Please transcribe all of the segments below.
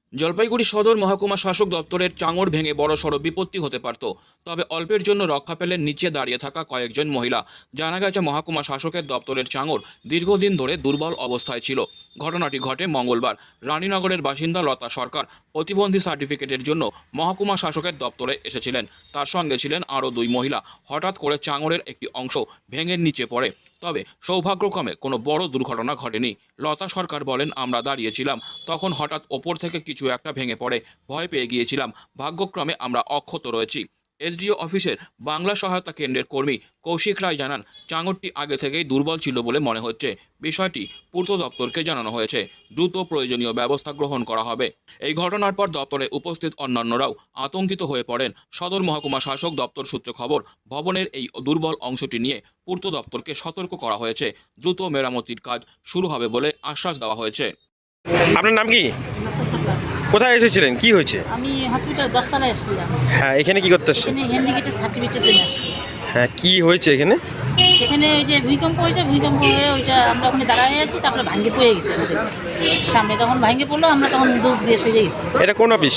জলপাইগুড়ি সদর মহকুমা শাসক দপ্তরের চাঙড় ভেঙে বড়সড় বিপত্তি হতে পারত, তবে অল্পের জন্য রক্ষা পেলেন নিচে দাঁড়িয়ে থাকা কয়েকজন মহিলা। জানা গেছে মহকুমা শাসকের দপ্তরের চাঙড় দীর্ঘদিন ধরে দুর্বল অবস্থায় ছিল। ঘটনাটি ঘটে মঙ্গলবার। রানীনগরের বাসিন্দা লতা সরকার প্রতিবন্ধী সার্টিফিকেটের জন্য মহকুমা শাসকের দপ্তরে এসেছিলেন। তার সঙ্গে ছিলেন আরও দুই মহিলা। হঠাৎ করে চাঙড়ের একটি অংশ ভেঙে নিচে পড়ে, তবে সৌভাগ্যক্রমে কোনো বড় দুর্ঘটনা ঘটেনি। লতা সরকার বলেন, আমরা দাঁড়িয়েছিলাম, তখন হঠাৎ ওপর থেকে কিছু একটা ভেঙে পড়ে, ভয় পেয়ে গিয়েছিলাম। ভাগ্যক্রমে আমরা অক্ষত রয়েছি। এসডিও অফিসের বাংলা সহায়তা কেন্দ্রের কর্মী কৌশিক রায় জানান, চাঙড়টি আগে থেকেই দুর্বল ছিল বলে মনে হচ্ছে। বিষয়টি পূর্ত দপ্তরকে জানানো হয়েছে। দ্রুত প্রয়োজনীয় ব্যবস্থা গ্রহণ করা হবে। এই ঘটনার পর দপ্তরে উপস্থিত অন্যান্যরাও আতঙ্কিত হয়ে পড়েন। সদর মহকুমা শাসক দপ্তর সূত্রে খবর, ভবনের এই দুর্বল অংশটি নিয়ে পূর্ত দপ্তরকে সতর্ক করা হয়েছে। দ্রুত মেরামতির কাজ শুরু হবে বলে আশ্বাস দেওয়া হয়েছে। আপনার নাম কি? কোথায় এসেছিলেন? কি হয়েছে? আমি হসপিটাল 10 তলায় এসেছিলাম। হ্যাঁ, এখানে কি করতে আসছেন? এখানে হ্যান্ডিক্যাপের সার্টিফিকেটের জন্য আসছি। হ্যাঁ, কি হয়েছে এখানে? এখানে ওই যে ভূমিকম্প হয়েছে, ভূমিকম্প হয়ে ওইটা আমরা ওখানে দাঁড়ায় আছি, তারপরে ভাঙে পড়ে গেছে আমাদের সামনে। তখন ভাঙে পড়লো, আমরা তখন দুধ দিয়ে সরে গেছি। এটা কোন অফিস?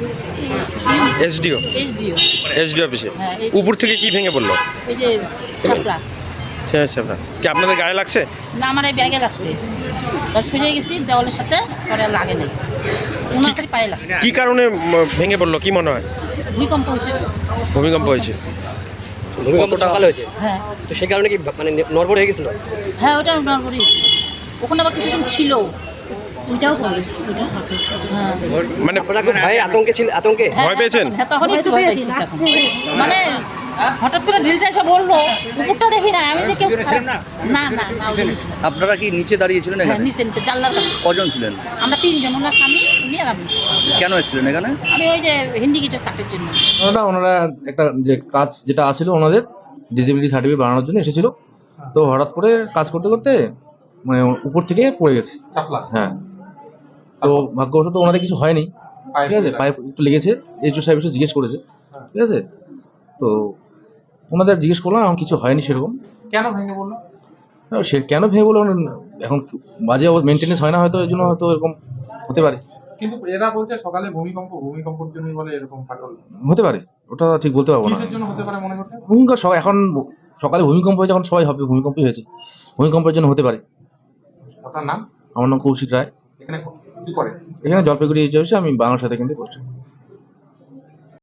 এসডিও? এইচডিও। এসডিও অফিসে? হ্যাঁ, উপর থেকে কি ভেঙে পড়লো? ওই যে ছাপড়া। আচ্ছা, কি আপনাদের গায়ে লাগছে? না, আমার এই ব্যাগে লাগছে, তার সরে গেছি দেওয়ালের সাথে, পরে আর লাগে নাই, ওনার খালি পায়ে লাগছে। কি কারণে ভেঙে পড়লো কি মনে হয়? ভূমিকম্প হয়েছে। ভূমিকম্প হয়েছে? ভূমিকম্পটা সকালে হয়েছে, হ্যাঁ তো সেই কারণে কি মানে নড়বড় হয়ে গেছিল? হ্যাঁ, ওটা নড়বড়ি। ওখানে আবার কিছুদিন ছিল, ওইটাও পড়ে। হ্যাঁ, মানে আপনারা খুব ভয়ে আতঙ্কে ভয় পেয়েছেন? হ্যাঁ, তখন একটু ভয় পেয়েছি তখন। মানে হঠাৎ করে ড্রিলটা এসে বললো, উপরটা দেখি না আমি, যে কেউ না না না ওই নিচে। আপনারা কি নিচে দাঁড়িয়েছিলেন হ্যাঁ, এখানে? নিচে নিচে জানলার কাছে। কজন ছিলেন? আমরা 3 জন, ওনার স্বামী, উনি আর আমি। কেন এসেছিলেন এখানে? আমি ওই যে হিন্দিগেটের কাটের জন্য। ওনারা একটা যে কাজ যেটা আসছিল ওনাদের ডিসেবিলিটি সার্টিফিকেট বানানোর জন্য এসেছিল। তো হঠাৎ করে কাজ করতে করতে মানে উপর থেকে পড়ে গেছে। হ্যাঁ, তো ভাগ্যবশত ওনাদের কিছু হয়নি, ঠিক আছে, পাইপ একটু লেগেছে। এইচও সাহেব এসে জিজ্ঞেস করেছে, ঠিক আছে। তো ওনাদের জিজ্ঞেস করলাম, এখন কিছু হয়নি সেরকম। কেন ভেঙে বললো? সে কেন ভেঙে বললো এখন বাজে মেনটেনেন্স হয় না, হয়তো এই জন্য হয়তো এরকম হতে পারে। কিন্তু এরা বলছে সকালে ভূমিকম্পের জন্যই বলে এরকম ফাটল। হতে পারে, ওটা ঠিক বলতে পারবো না। কিসের জন্য হতে পারে মনে করতে? ভূমিকম্প এখন সকালে ভূমিকম্প হয়েছে, এখন সবাই হবে ভূমিকম্পই হয়েছে, ভূমিকম্পের জন্য হতে পারে। আপনার নাম? আমার নাম কৌশিক রায়। এখানে কি করে? এখানে জলপাইগুড়ি এইচডিও অফিসে আমি বাংলা সাথে কিন্তু পোস্ট।